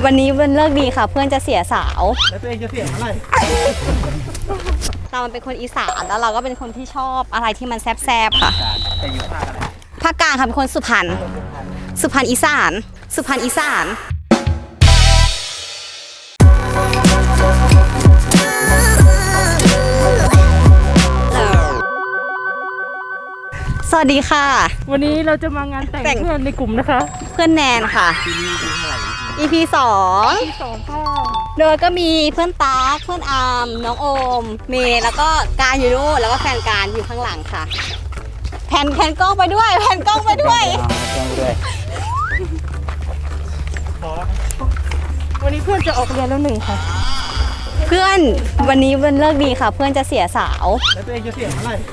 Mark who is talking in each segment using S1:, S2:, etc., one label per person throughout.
S1: วันนี้วันเลิกดีค่ะเพื่อนจะเสียสาว
S2: แล้วตัวเองจะเสียเมื่อไหร่
S1: เราเป็นคนอีสานแล้วเราก็เป็นคนที่ชอบอะไรที่มันแซ่บๆค่ะ
S2: แต่อยู่ภาคอะไร
S1: ภาคกลางค่ะเป็นคนสุพรรณอีสานสุพรรณอีสานสวัสดีค่ะ
S3: วันนี้เราจะมางานแต่งเพื่อนในกลุ่มนะคะ
S1: เพื่อนแนนค่ะ EP 2
S3: ค่ะ
S1: โดยก็มีเพื่อนตาเพื่อนอาร์มน้องโอมเมย์แล้วก็การอยู่นู่นแล้วก็แฟนการอยู่ข้างหลังค่ะแผ่นกล้องไปด้วย
S3: วันนี้เพื่อนจะออกเรียนแล้วหนึ่งค่ะ
S1: เพื่อนวันนี้วันเลิกดีค่ะเพื่อนจะเสียสาว
S2: แล้วตัวเองจะเสียเมื่อไหร่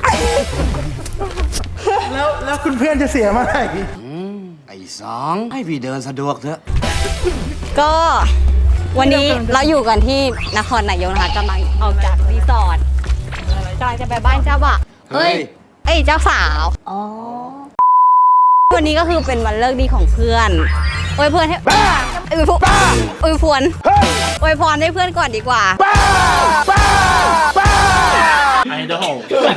S2: แล้วคุณเพื่อนจะเสียเมื่อไหร่
S4: ไอ้สองให้พี่เดินสะดวกเถอะ
S1: ก็วันนี้เราอยู่กันที่นครนายกนะคะกำลังออกจากรีสอร์ทกำลังจะไปบ้านเจ้าบ่าวเอ้ยเจ้าสาววันนี้ก็คือเป็นวันเลิกดีของเพื่อนอวยพรให้อวยพรให้เพื่อนก่อนดีกว่า
S2: ไอดอล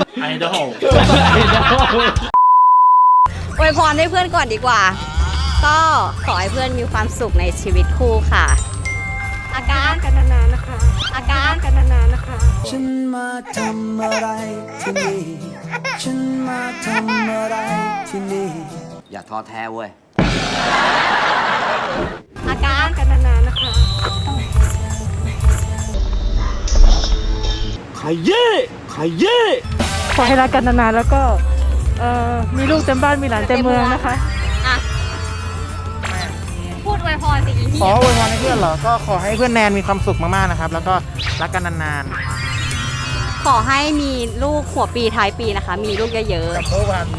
S1: อวยพรให้เพื่อนก่อนดีกว่าก็ขอให้เพื่อนมีความสุขในชีวิตคู่ค่ะอาการ
S3: กันนานๆนะคะ
S1: อาการ
S3: กันนานๆนะคะ
S4: ฉันมาทำอะไรที่นี่ฉันมาทำอะไรที่นี่อย่าท้อแท้เว้ย
S1: อาการ
S3: กันนานๆนะคะ
S2: ขยี้
S3: ขอให้รักกันนานๆแล้วก็มีลูกเต็มบ้านมีหลานเต็มเมืองนะคะ
S1: พูดอวยพรสิอี
S2: ขออวยพรให้เพื่อนเหรอก็ขอให้เพื่อนแนนมีความสุขมากๆนะครับแล้วก็รักกันนาน
S1: ๆขอให้มีลูกหัวปีท้ายปีนะคะมีลูกเยอะๆ
S2: ดับเบิลวัน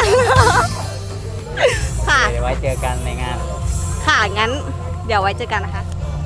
S1: ค่ะ
S2: เดี๋ยวไว้เจอกันในงาน
S1: ค่ะงั้นเดี๋ยวไว้เจอกันนะคะ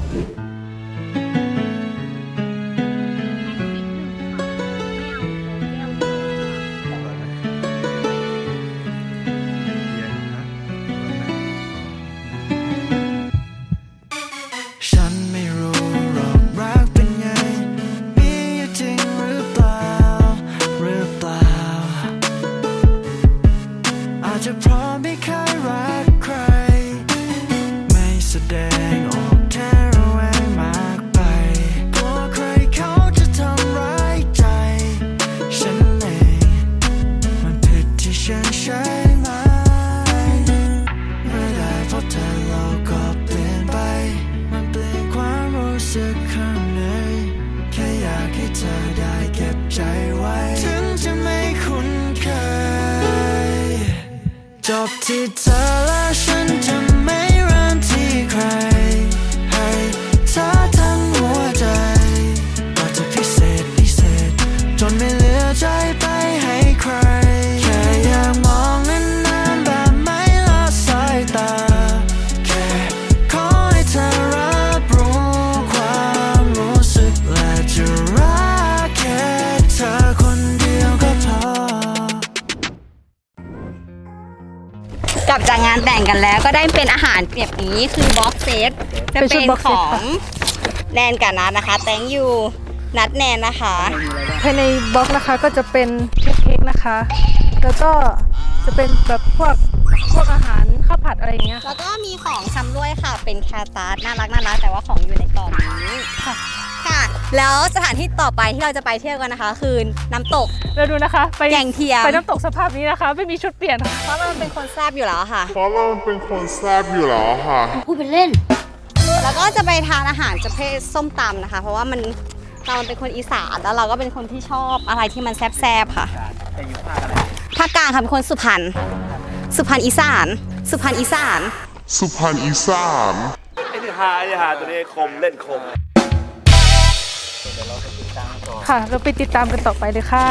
S4: จะพร้อมไม่เคยรักใครไม่แสดงออกแค่ระแวงมากไปกลัวใครเขาจะทำร้ายใจฉันเองมันผิดที่ฉันใช่ไหมเมื่อได้พบเธอโลกก็เปลี่ยนไปมันเปลี่ยนความรู้สึกข้างในแค่อยากให้เธอได้เก็บใจไว้ถึงจะไม่คุ้นเคยจบที่เธอและฉันจะไม่เริ่มที่ใครให้เธอทั้งหัวใจก็จะพิเศษจนไม่เหลือใจไปให้ใครแค่อยากมองนานๆแบบไม่ละสายตาแค่ขอให้เธอรับรู้ความรู้สึกและจะรักแค่เธอคนเดียวก็พอก
S1: ลับจากงานแต่งกันแล้วก็ได้เป็นอาหารแบบนี้คือบ็อกเซตจะเป็นของแนนกับนัทนะคะแตงยูนัทแนนนะคะ
S3: ภายในบ็อกนะคะก็จะเป็นเค้กนะคะแล้วก็จะเป็นแบบพวกอาหารข้าวผัดอะไรอย่างเงี้ย
S1: แล้วก็มีของชำร่วยค่ะเป็นแคตาร์น่ารักแต่ว่าของอยู่ในกล่องนี้ค่ะแล้วสถานที่ต่อไปที่เราจะไปเที่ยวกันนะคะคือน้ำตก
S3: เราดูนะคะไป
S1: แก่งเทียม
S3: ไปน้ำตกสภาพนี้นะคะไม่มีชุดเปลี่ยน
S1: เพราะมันเป็นคนแซ่บอยู่แล้วค่ะ
S3: พูดเป็นเล่น
S1: แล้วก็จะไปทานอาหารประเภทส้มตำนะคะเพราะว่าเราเป็นคนอีสานแล้วเราก็เป็นคนที่ชอบอะไรที่มันแซ่บๆค่ะ
S2: แต่อยู่ภาคอะไร
S1: ภาคกลางค่ะเป็นคนสุพรรณอีสานไ
S2: อ้ที่หาตัวนี้คมเล่นคม
S3: ค่ะเราไปติดตามกันต่อไปเลยค่ะ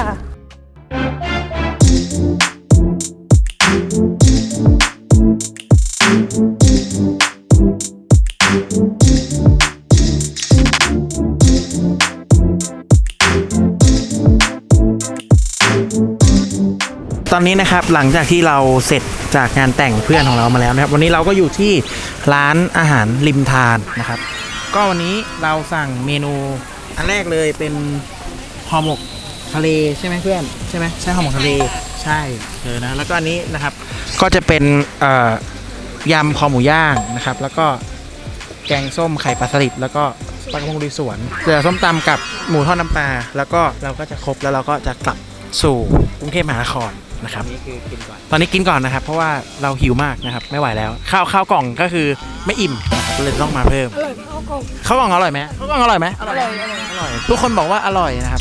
S2: ตอนนี้นะครับหลังจากที่เราเสร็จจากงานแต่งเพื่อนของเรามาแล้วนะครับวันนี้เราก็อยู่ที่ร้านอาหารริมทานนะครับก็วันนี้เราสั่งเมนูอันแรกเลยเป็นห่อหมกทะเลใช่ไหมเพื่อนใช่ไหมใช่ห่อหมกทะเลใช่นะแล้วก็อันนี้นะครับก็จะเป็นยำคอหมูย่างนะครับแล้วก็แกงส้มไข่ปลาสลิดแล้วก็ปลากระพงลุยสวนเสือส้มตำกับหมูทอดน้ำปลาแล้วก็เราก็จะครบแล้วเราก็จะกลับสู่กรุงเทพมหานครนะครับตอนนี้กินก่อนนะครับเพราะว่าเราหิวมากนะครับไม่ไหวแล้วข้าวกล่องก็คือไม่อิ่มนะครับเลยต้องมาเพิ่มข้าวกล่องอร่อยไหมข้าวกล่องอร่อยไหมอร่อยทุกคนบอกว่าอร่อยนะครับ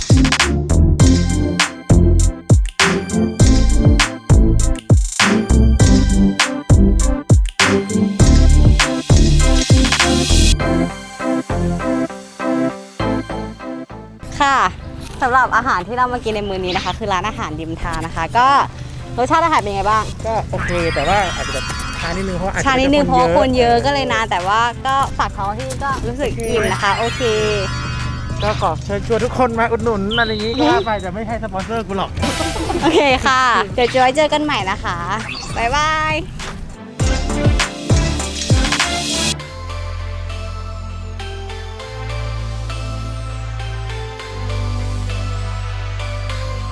S1: ค่ะสำหรับอาหารที่เรามากินในมื้อนี้นะคะ คือร้านอาหารริมทางนะคะ ก็รสชาติอาหารเป็นไงบ้าง
S2: ก็โอเคแต่ว่าอาจจะแบบช้านิดนึงเพราะอาจจะ
S1: ชานิดนึงเพราะว่าคนเยอะก็เลยนานแต่ว่าก็ฝากท้องที่ก็รู้สึกอิ่มนะคะ โอเค
S2: ก็ขอเชิญชวนทุกคนมาอุดหนุนอะไรอย่างนี้ก็ว่าไปจะไม่ให้สปอนเซอร์กูหรอก
S1: โอเคค่ะ เดี๋ยวจะไว้เจอกันใหม่นะคะบ๊ายบาย